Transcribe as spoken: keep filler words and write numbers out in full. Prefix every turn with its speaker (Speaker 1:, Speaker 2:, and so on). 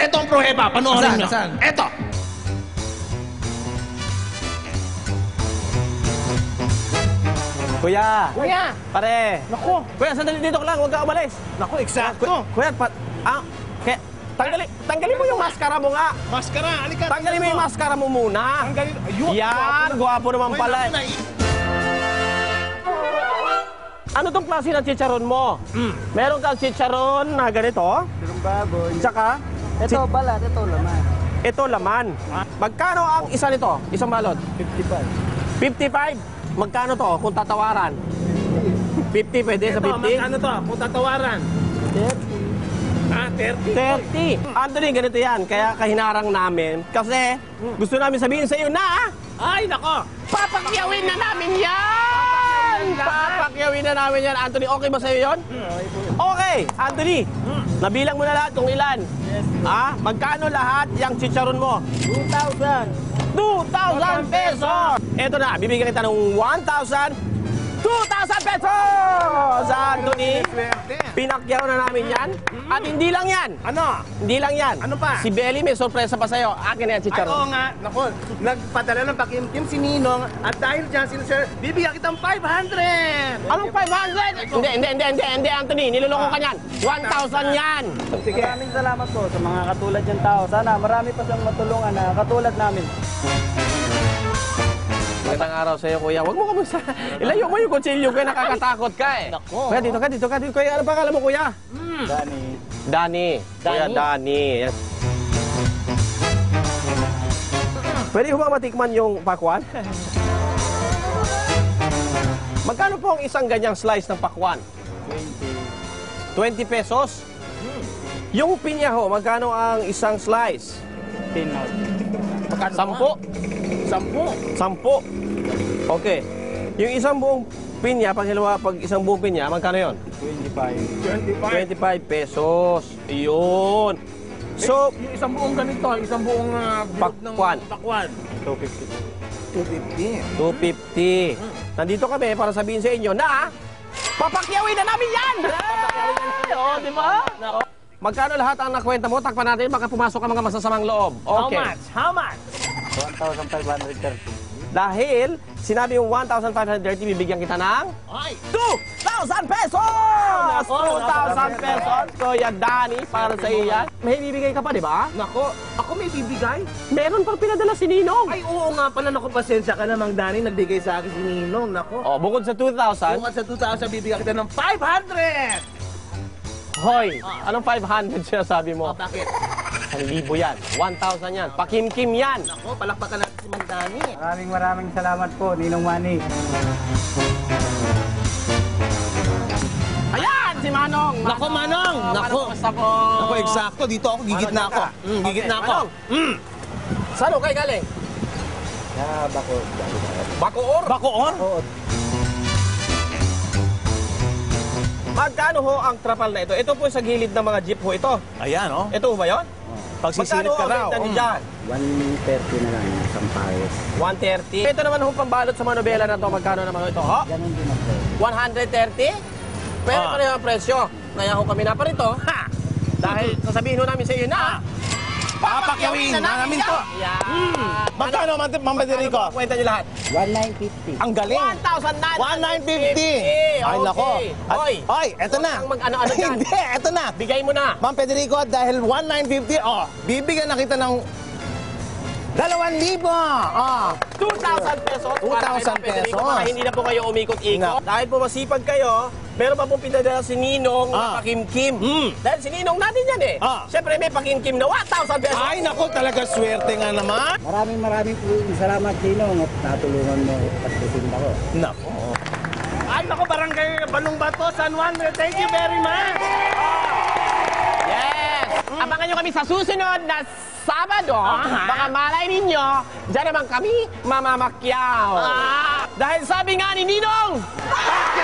Speaker 1: Eto ang pruheba, panoorin
Speaker 2: Saan?
Speaker 1: nyo.
Speaker 2: Saan?
Speaker 1: Eto.
Speaker 3: Kuya!
Speaker 1: Kuya!
Speaker 3: Pare!
Speaker 1: Naku!
Speaker 3: Kuya, sandali dito ka lang, huwag ka umalis.
Speaker 1: Naku, eksakto.
Speaker 3: Kuya, kuya pat... Ah, kaya... Tanggalin, tanggalin mo yung maskara mo nga.
Speaker 1: Maskara, halika.
Speaker 3: Tanggalin mo yung maskara mo muna.
Speaker 1: Tanggalin. Ayun,
Speaker 3: Yan, gwapo naman
Speaker 1: Uy,
Speaker 3: pala.
Speaker 1: naku, nai-
Speaker 3: Ano tong klase ng chicharon mo?
Speaker 1: Mm.
Speaker 3: Meron kang chicharon na ganito.
Speaker 4: Yung baboy.
Speaker 3: Tsaka,
Speaker 4: Ito, balat. Ito, laman.
Speaker 3: ito laman. Magkano ang isa nito? Isang balot?
Speaker 4: fifty-five.
Speaker 3: fifty-five? Magkano to kung tatawaran? fifty pwede sa
Speaker 1: Ito,
Speaker 3: fifty?
Speaker 1: magkano to? Kung tatawaran.
Speaker 4: thirty.
Speaker 1: Ah, thirty.
Speaker 3: thirty. Anthony, ganito yan. Kaya kahinarang namin. Kasi gusto namin sabihin sa iyo na
Speaker 1: Ay, nako.
Speaker 3: papakyawin na namin yan! Papakyawin na namin yan. Anthony, okay ba sa iyo yun? Okay. Anthony, nabilang mo na lahat kung ilan.
Speaker 4: Yes.
Speaker 3: Ah, magkano lahat yung chicharon mo?
Speaker 4: two thousand.
Speaker 3: two thousand pesos! Ito na, bibigyan kita ng one thousand, two thousand pesos! Anthony,
Speaker 1: Swerte.
Speaker 3: pinakyaw na namin yan. At hindi lang yan.
Speaker 1: Ano?
Speaker 3: Hindi lang yan.
Speaker 1: Ano pa?
Speaker 3: Si Belly may sorpresa pa sa'yo. Akin na yan,
Speaker 1: Ay,
Speaker 3: chicharon.
Speaker 1: oo nga. Naku, nagpadala ng pakimkim si Ninong at dahil dyan, sino sir, bibigyan kitang five hundred!
Speaker 3: Anong five hundred? Hindi, hindi, hindi, hindi, hindi, Anthony. Niloloko ka yan. one thousand yan.
Speaker 1: Sige.
Speaker 4: Maraming salamat po sa mga katulad niyang tao. Sana marami pa siyang matulungan na katulad namin.
Speaker 3: Magandang araw sa iyo, kuya. Huwag mo kamusta. Ilayo mo yung kutsilyo, kuya. Nakakatakot ka eh.
Speaker 1: Nako.
Speaker 3: Kuya, dito ka, dito ka. Dito. Kuya, ano pa kala mo, kuya?
Speaker 4: Dani.
Speaker 3: Dani. Kuya, Dani. Yes. Pwede ko ba matikman yung pakwan? Magkano po ang isang ganyang slice ng pakwan?
Speaker 4: twenty.
Speaker 3: twenty pesos? Yung pinya ho, magkano ang isang slice?
Speaker 4: ten.
Speaker 1: Magkano
Speaker 3: Sampo?
Speaker 1: Sampu.
Speaker 3: Sampo. Okay. Yung isang buong pinya, pag hilawa, pag isang buong pinya, magkano yon?
Speaker 4: twenty-five.
Speaker 1: twenty-five.
Speaker 3: twenty-five pesos. Yun. So,
Speaker 1: Yung isang buong ganito, isang buong uh, bilog ng
Speaker 3: Pakwan.
Speaker 1: pakwan.
Speaker 4: two fifty.
Speaker 1: two fifty.
Speaker 3: two fifty. Nandito kami para sabihin sa inyo na papakyawin na namin yan! Oo, di ba? Magkano lahat ang nakwenta mo? Takpan natin, baka pumasok ang mga masasamang loob.
Speaker 1: How
Speaker 3: Okay.
Speaker 1: much? How much?
Speaker 4: one thousand five hundred thirty.
Speaker 3: Dahil sinabi yung one thousand five hundred thirty, bibigyan kita ng
Speaker 1: Ay!
Speaker 3: two thousand pesos! two thousand pesos! Kuya Dani, para sa iyo yan. May bibigay ka pa, di ba?
Speaker 1: Nako, ako may bibigay?
Speaker 3: Meron pang pinadala si Ninong.
Speaker 1: Ay, oo nga pala. Naku, pasensya ka namang, Dani. Nagbigay sa akin si Ninong. Nako.
Speaker 3: Oh, bukod sa two thousand,
Speaker 1: Bukod sa two thousand, bibigyan kita ng five hundred!
Speaker 3: hoy, anong five hundred sinasabi mo?
Speaker 1: Oh, bakit?
Speaker 3: Ang libo yan. one thousand yan. Pakimkim yan.
Speaker 1: Nako, palakpakan natin si Mang Dani.
Speaker 4: Maraming maraming salamat po, Ninong Manny.
Speaker 3: Ayan, si Manong.
Speaker 1: Nako, Manong. Nako.
Speaker 3: Basta po.
Speaker 1: Ako, eksakto. Dito ako, gigit na ako. Mm, gigit na ako. Mm.
Speaker 3: Saan ho kayo galing?
Speaker 4: Sa bako.
Speaker 3: Bacoor?
Speaker 1: Bacoor?
Speaker 4: Oo.
Speaker 3: Magkano ho ang trapal na ito? Ito po sa gilid ng mga jeep ho ito.
Speaker 1: Ayan, oh.
Speaker 3: Ito ho ba yun?
Speaker 1: Pag sisilip ka
Speaker 3: Magkano
Speaker 1: raw.
Speaker 3: ho ang benta niyo
Speaker 1: mm.
Speaker 3: dyan?
Speaker 4: one thirty na lang isang pares.
Speaker 3: one thirty. Ito naman ho pambalot sa mga nobela na to. Magkano naman ho ito? Ho?
Speaker 4: Ganun din ako.
Speaker 3: one thirty? Pero
Speaker 1: Ah.
Speaker 3: pareho ang presyo. Kaya ho kami na pa rito. Ha! Dahil sasabihin ho namin sa iyo na
Speaker 1: Papakyawin na namin to.
Speaker 3: Yan.
Speaker 1: Magkano, Ma'am Ma'am Federico?
Speaker 3: Kwenta niyo lahat.
Speaker 4: one nine fifty.
Speaker 1: Ang galing.
Speaker 3: one thousand nine
Speaker 1: one nine fifty. Ay, nako. At-
Speaker 3: Hoy,
Speaker 1: Oy, eto na.
Speaker 3: Huwag kang mag-ano-ano dyan.
Speaker 1: Hindi, eto na.
Speaker 3: Bigay mo na.
Speaker 1: Ma'am Federico, dahil one nine fifty, oh, bibigyan na kita ng dalawang libo. Oh.
Speaker 3: two thousand pesos.
Speaker 1: two thousand
Speaker 3: Para kay Ma'am Federico,
Speaker 1: pesos.
Speaker 3: Para hindi na po kayo umikot-ikot.
Speaker 1: No.
Speaker 3: Dahil po masipag kayo, meron pa pong pinadala si Ninong na
Speaker 1: Ah.
Speaker 3: pakimkim.
Speaker 1: Mm.
Speaker 3: Dahil si Ninong natin yan eh.
Speaker 1: Ah.
Speaker 3: Siyempre may pakimkim na one thousand pesos.
Speaker 1: Ay, nako, talaga swerte nga naman.
Speaker 4: Maraming maraming po salamat, Ninong, at natulungan mo at titinda ko.
Speaker 1: Nako. Ay, nako, barangay Balong Bato, San Juan. Thank you very much.
Speaker 3: Yes! Abangan nyo kami sa susunod na Sabado. Baka malay ninyo, dyan naman kami mamamakyaw. Dahil sabi nga ni Ninong,